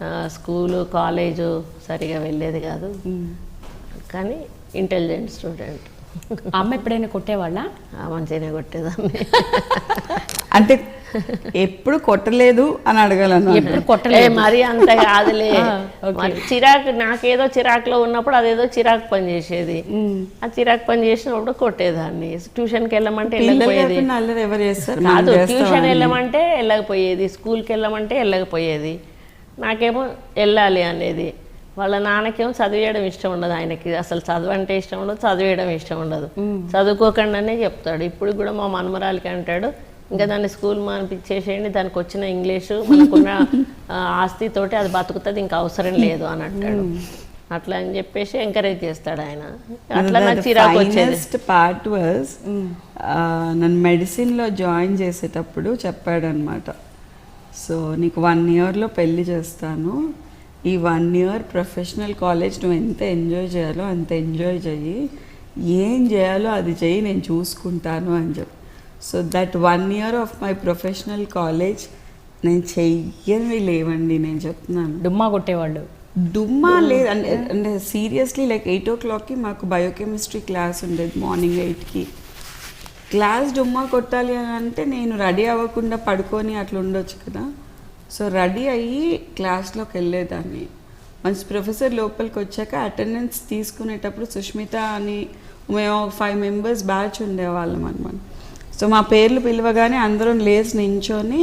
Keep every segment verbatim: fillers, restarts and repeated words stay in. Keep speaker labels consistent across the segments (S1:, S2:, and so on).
S1: School college సరిగా వెళ్ళేది కాదు, కానీ ఇంటెలిజెంట్ స్టూడెంట్.
S2: అమ్మ ఎప్పుడైనా కొట్టేవాళ్ళ?
S1: మంచిగానే కొట్టేదాన్ని.
S3: అంటే ఎప్పుడు కొట్టలేదు అని అడగాలను.
S2: ఎప్పుడు కొట్టలేదు
S1: మరి అంత కాదులే. చిరాకు నాకేదో చిరాకులో ఉన్నప్పుడు అదేదో చిరాకు పని చేసేది, ఆ చిరాకు పని చేసినప్పుడు కొట్టేదాన్ని. ట్యూషన్కి వెళ్ళమంటే వెళ్ళకపోయేది కాదు, ట్యూషన్ వెళ్ళమంటే వెళ్ళకపోయేది, స్కూల్కి వెళ్ళమంటే వెళ్ళకపోయేది. నాకేమో వెళ్ళాలి అనేది. వాళ్ళ నాన్నకేమో చదివేయడం ఇష్టం ఉండదు, ఆయనకి అసలు చదువు అంటే ఇష్టం ఉండదు, చదివేయడం ఇష్టం ఉండదు. చదువుకోకుండానే చెప్తాడు. ఇప్పుడు కూడా మా మనమరాలకి అంటాడు, ఇంకా దాన్ని స్కూల్ మానిపించేసేయండి, దానికి వచ్చిన ఇంగ్లీషు మనకున్న ఆస్తితోటి అది బతుకుతుంది, ఇంకా అవసరం లేదు అని అంటాడు. అట్లా అని చెప్పేసి ఎంకరేజ్ చేస్తాడు ఆయన. అట్లా నాకు చిరాకు వచ్చేది.
S3: పార్ట్ వాజ్ నన్ను మెడిసిన్లో జాయిన్ చేసేటప్పుడు చెప్పాడు అనమాట, సో నీకు వన్ ఇయర్లో పెళ్ళి చేస్తాను, ఈ వన్ ఇయర్ ప్రొఫెషనల్ కాలేజ్ నువ్వు ఎంత ఎంజాయ్ చేయాలో అంత ఎంజాయ్ చెయ్యి, ఏం చేయాలో అది చెయ్యి, నేను చూసుకుంటాను అని చెప్పి. So that one year of my professional college నేను చెయ్యనివి లేవండి, నేను చెప్తున్నాను.
S2: డుమ్మా కొట్టేవాళ్ళు?
S3: డుమ్మా లేదు అంటే అంటే సీరియస్లీ లైక్ ఎయిట్ ఓ క్లాక్కి మాకు బయోకెమిస్ట్రీ క్లాస్ ఉండేది, మార్నింగ్ ఎయిట్కి. క్లాస్ డుమ్మా కొట్టాలి అని అంటే నేను రెడీ అవ్వకుండా పడుకొని అట్లా ఉండొచ్చు కదా. సో రెడీ అయ్యి క్లాస్లోకి వెళ్ళేదాన్ని. మంచి ప్రొఫెసర్ లోపలికి వచ్చాక అటెండెన్స్ తీసుకునేటప్పుడు సుష్మిత అని మేము ఫైవ్ మెంబర్స్ బ్యాచ్ ఉండేవాళ్ళం అనమాట. సో మా పేర్లు పిలవగానే అందరం లేచి నించొని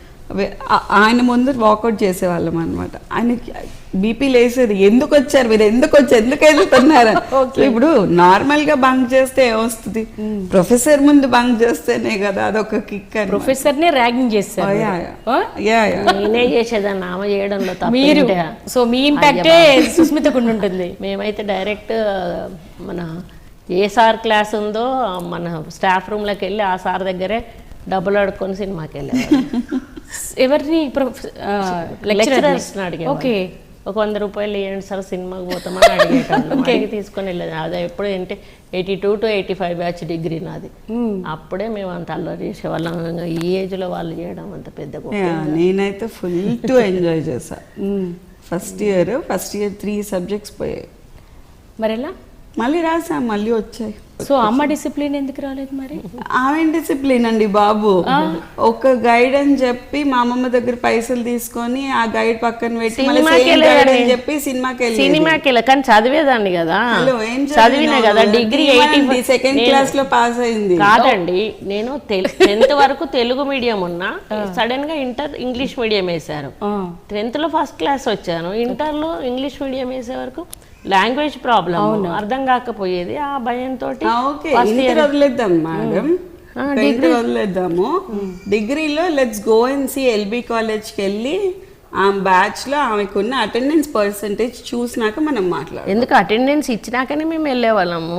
S3: ఆయన ముందు వాకౌట్ చేసేవాళ్ళం అనమాట. ఆయనకి బీపీ లేసేది, ఎందుకు వచ్చారు మీరు, ఎందుకు వచ్చి ఎందుకు వెళ్తున్నారు. ఇప్పుడు నార్మల్గా బంక్ చేస్తే ఏమొస్తుంది, ప్రొఫెసర్ ముందు బంక్ చేస్తేనే కదా అదొక కిక్.
S2: ప్రొఫెసర్ నే ర్యాగింగ్ చేస్తారు.
S1: నేనే చేసేదాన్ని ఆమె చేయడంలో
S2: మీరు. సో మీ ఇంపాక్టే సుస్మితకు ఉంటుంది.
S1: మేమైతే డైరెక్ట్ మన ఏ సార్ క్లాస్ ఉందో మన స్టాఫ్ రూమ్లోకి వెళ్ళి ఆ సార్ దగ్గరే డబ్బులు అడుక్కొని సినిమాకి వెళ్ళేవాళ్ళం.
S2: ఎవరిని?
S1: లెక్చరర్స్ అడిగే.
S2: ఓకే,
S1: ఒక వంద రూపాయలు ఇవ్వండి సార్ సినిమాకి పోతామని అడిగేటాను. అడిగి తీసుకొని వెళ్ళేది. అది ఎప్పుడు అంటే eighty two to eighty five batch degree నాది. అప్పుడే మేము అంత అల్లరి చేసేవాళ్ళం. ఈ ఏజ్లో వాళ్ళు చేయడం అంత పెద్ద.
S3: నేనైతే ఫుల్ టు ఎంజాయ్ చేశా. First year first year three subjects పోయాయి.
S2: మరి ఎలా?
S3: మళ్ళీ రాసా, మళ్ళీ వచ్చాయి.
S2: సో అమ్మ డిసిప్లిన్ ఎందుకు రాలేదు మరి?
S3: ఆమె డిసిప్లిన్ అండి బాబు. ఒక గైడ్ అని చెప్పి మా అమ్మమ్మ దగ్గర పైసలు తీసుకొని ఆ గైడ్ పక్కన పెట్టి చెప్పి సినిమాకి వెళ్ళి
S1: సినిమాకి వెళ్ళి కానీ చదివేదాన్ని కదా. చదివినా కదా డిగ్రీ
S3: సెకండ్ క్లాస్ లో పాస్ అయింది.
S1: కాదండి, నేను టెన్త్ వరకు తెలుగు మీడియం ఉన్నా, సడన్ గా ఇంటర్ ఇంగ్లీష్ మీడియం వేశారు. టెన్త్ లో ఫస్ట్ క్లాస్ వచ్చాను, ఇంటర్ లో ఇంగ్లీష్ మీడియం వేసే వరకు లాంగ్వేజ్ ప్రాబ్లం అర్థం కాకపోయేది. ఆ భయంతో
S3: వదిలేద్దాం మేడం, డిగ్రీ వదిలేద్దాము. డిగ్రీలో let's go and C L B కాలేజ్కి వెళ్ళి ఆ బ్యాచ్ లో ఆమెకున్న అటెండెన్స్ పర్సంటేజ్ చూసినాక మనం మాట్లాడాలి.
S1: ఎందుకు అటెండెన్స్ ఇచ్చినాకనే మేము వెళ్ళేవాళ్ళము.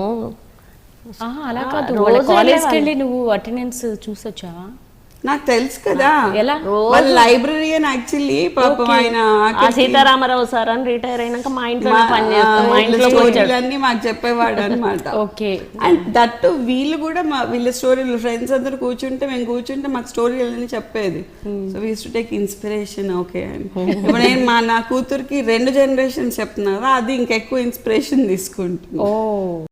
S2: అలా కాదు, కాలేజ్కి వెళ్ళి నువ్వు అటెండెన్స్ చూసొచ్చావా?
S3: నాకు తెలుసు కదా.
S2: ఎలా?
S3: లైబ్రరీయన్ యాక్చువల్లీ పాపం ఆయన
S1: సీతారామరావు సార్ అని రిటైర్ అయినాక మా ఇంట్లో
S3: అన్ని మాకు చెప్పేవాడు అనమాట.
S2: ఓకే.
S3: అండ్ దట్ వీళ్ళు కూడా మా వీళ్ళ స్టోరీలు ఫ్రెండ్స్ అందరు కూర్చుంటే మేము కూర్చుంటే మాకు స్టోరీలు చెప్పేది. So we to take inspiration. Okay అని ఇప్పుడు నేను మా నా కూతురికి రెండు జనరేషన్స్ చెప్తున్నా, అది ఇంకెక్కువ ఇన్స్పిరేషన్ తీసుకుంటుంది.
S2: ఓ